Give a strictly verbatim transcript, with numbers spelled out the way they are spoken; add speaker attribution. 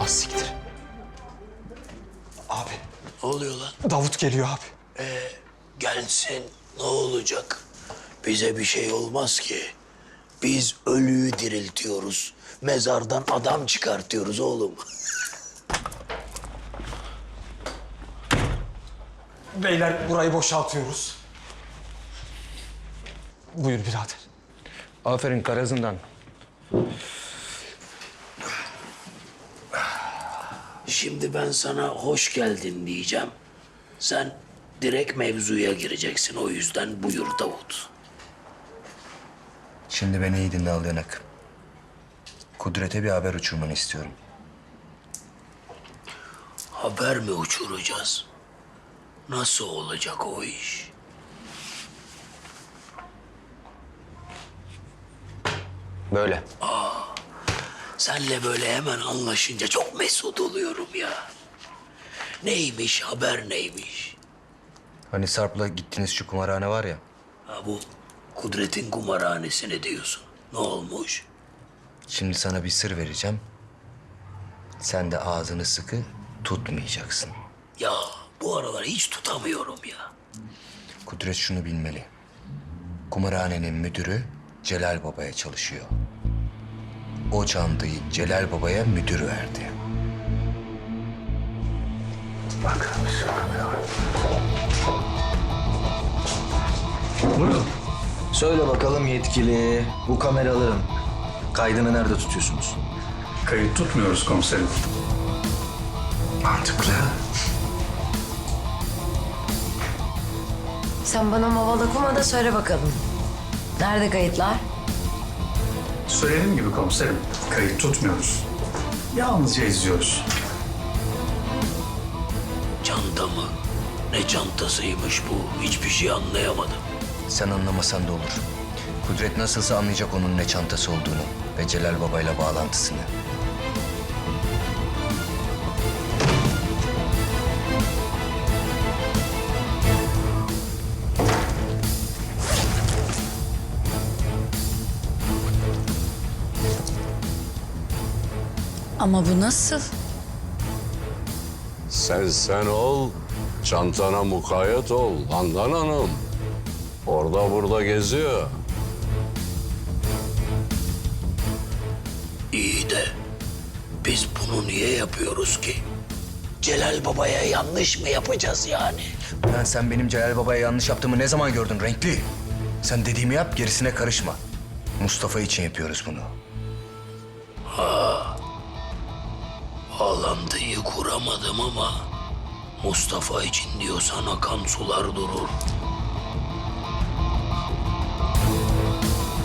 Speaker 1: Az siktir. Abi,
Speaker 2: Ne oluyor lan?
Speaker 1: Davut geliyor abi.
Speaker 2: Gelsin, ne olacak? Bize bir şey olmaz ki. Biz ölüyü diriltiyoruz. Mezardan adam çıkartıyoruz oğlum.
Speaker 1: Beyler burayı boşaltıyoruz. Buyur birader.
Speaker 3: Aferin Karazından.
Speaker 2: Şimdi ben sana hoş geldin diyeceğim. Sen direkt mevzuya gireceksin. O yüzden buyur Davut.
Speaker 3: Şimdi beni iyi dinle al yanak. Kudret'e bir haber uçurmanı istiyorum.
Speaker 2: Haber mi uçuracağız? Nasıl olacak o iş?
Speaker 3: Böyle.
Speaker 2: Senle böyle hemen anlaşınca çok mesut oluyorum ya. Neymiş, haber neymiş?
Speaker 3: Hani Sarp'la gittiğiniz şu kumarhane var ya.
Speaker 2: Ha bu Kudret'in kumarhanesine diyorsun. Ne olmuş?
Speaker 3: Şimdi sana bir sır vereceğim. Sen de ağzını sıkı tutmayacaksın.
Speaker 2: Ya bu aralar hiç tutamıyorum ya.
Speaker 3: Kudret şunu bilmeli. Kumarhanenin müdürü Celal Baba'ya çalışıyor. O çantayı Celal Baba'ya müdür verdi. Bak.
Speaker 4: Buyurun. Söyle bakalım yetkili, bu kameraların kaydını nerede tutuyorsunuz?
Speaker 5: Kayıt tutmuyoruz komiserim.
Speaker 4: Mantıklı.
Speaker 6: Sen bana maval okuma da söyle bakalım. Nerede kayıtlar?
Speaker 5: Söylediğim gibi komiserim, kayıt tutmuyoruz. Yalnızca izliyoruz.
Speaker 2: Çanta mı? Ne çantasıymış bu? Hiçbir şey anlayamadım.
Speaker 3: Sen anlamasan da olur. Kudret nasılsa anlayacak onun ne çantası olduğunu ve Celal Baba'yla bağlantısını.
Speaker 6: Ama bu nasıl?
Speaker 7: Sen sen ol, çantana mukayyet ol Handan Hanım. Orada burada geziyor.
Speaker 2: İyi de biz bunu niye yapıyoruz ki? Celal Baba'ya yanlış mı yapacağız yani?
Speaker 3: Lan sen benim Celal Baba'ya yanlış yaptığımı ne zaman gördün renkli? Sen dediğimi yap, gerisine karışma. Mustafa için yapıyoruz bunu.
Speaker 2: Bağlantıyı kuramadım ama Mustafa için diyorsan akan sular durur.